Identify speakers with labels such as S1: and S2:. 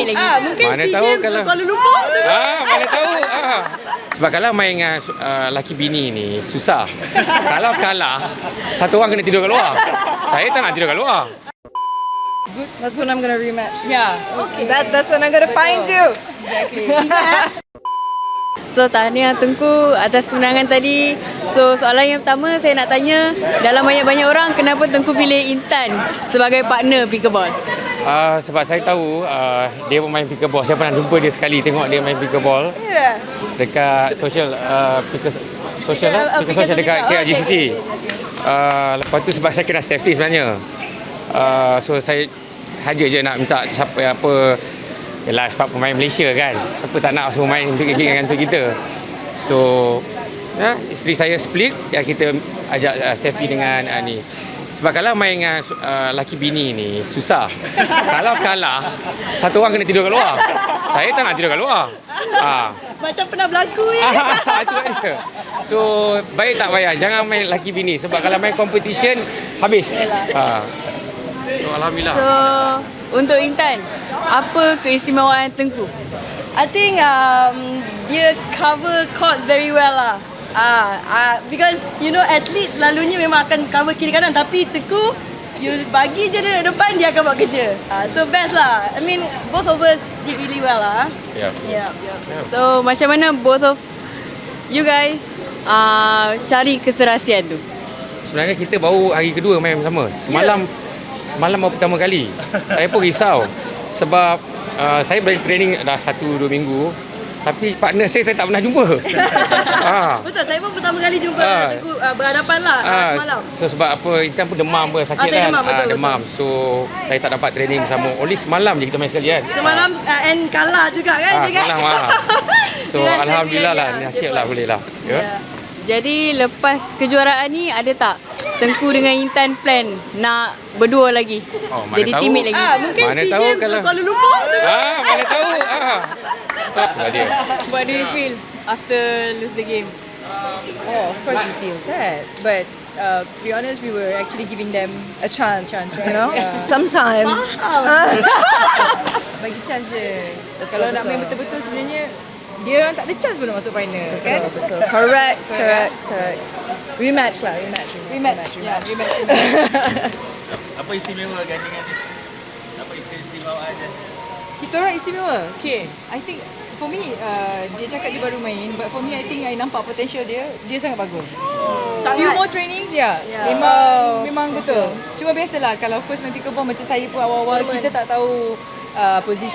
S1: teammate lagi.
S2: Mungkin
S3: Mana
S2: SEA
S3: tahu
S2: Games
S3: kalau-
S2: Kuala Lumpur.
S3: Mana tahu. Sebab kalau main dengan laki bini ni susah. Kalau kalah, satu orang kena tidur kat luar. Saya tak nak tidur kat luar.
S2: That's when I'm gonna rematch.
S1: Yeah. Okay.
S2: That's when I'm gonna find you.
S1: So tahniah Tengku atas kemenangan tadi. So soalan yang pertama saya nak tanya, dalam banyak-banyak orang kenapa Tengku pilih Intan sebagai partner pickleball?
S3: Sebab saya tahu dia pemain pickleball. Saya pernah jumpa dia sekali, tengok dia main pickleball
S2: Yeah.
S3: dekat social social dekat KLGCC. Lepas tu sebab saya kenal Steffi sebenarnya. So saya saja je nak minta siapa apa. Yalah sebab pemain Malaysia kan. Siapa tak nak suruh main dengan kita. So isteri saya split, kita ajak Steffi dengan ni. Sebab kalau main dengan laki bini ni susah. Kalau kalah, satu orang kena tidur kat luar. Saya tak nak tidur kat luar.
S2: Macam pernah berlaku ya.
S3: Itu dia. So baik tak payah, jangan main laki bini. Sebab kalau main competition habis. So alhamdulillah.
S1: So untuk Intan, apa keistimewaan Tengku?
S2: I think dia cover courts very well lah. Because you know athletes selalunya memang akan cover kiri kanan, tapi Tengku you bagi je dia depan, dia akan buat kerja. So best lah. I mean both of us did really well lah.
S3: Yeah.
S1: So macam mana both of you guys cari keserasian tu?
S3: Sebenarnya kita baru hari kedua main bersama. Semalam baru pertama kali. Saya pun risau sebab saya balik training dah 1-2 minggu. Tapi partner saya tak pernah jumpa.
S2: Betul, saya pun pertama kali jumpa Tengku berhadapan lah semalam.
S3: So sebab apa, Intan pun demam pun sakit
S2: saya
S3: kan.
S2: demam, betul.
S3: Demam. So saya tak dapat training bersama. Only semalam je kita main sekali kan.
S2: Semalam and kalah juga kan dia kan.
S3: Semalam So
S2: Dengan
S3: alhamdulillah lah,
S2: Steffi,
S3: nasib lah boleh lah.
S2: Yeah.
S1: Jadi lepas kejuaraan ni ada tak Tengku dengan Intan plan nak berdua lagi?
S3: Mana
S1: Jadi
S3: tahu.
S1: teammate lagi?
S2: Mungkin
S3: Mana
S2: SEA
S3: tahu
S2: Games
S3: kalau-
S2: Kuala Lumpur.
S3: Mana tahu. Itulah dia.
S1: What do you feel after lose the game?
S4: Oh, of course we feel sad, but to be honest, we were actually giving them
S2: A chance,
S4: right?
S2: you know.
S4: Yeah.
S2: Sometimes.
S4: Bagi chance je. Kalau nak main betul-betul sebenarnya dia orang tak ada chance pun nak masuk final, kan?
S2: Betul. Correct. Rematch lah, rematch.
S4: Yeah, rematch.
S5: Apa istimewa gandingan ni? Apa keistimewaan dia?
S4: Kita orang istimewa. Okay, I think for me, dia cakap dia baru main, but for me, I think I nampak potential dia sangat bagus. Few more trainings, memang betul. Cuma biasalah kalau first main pickleball macam saya pun awal-awal kita tak tahu position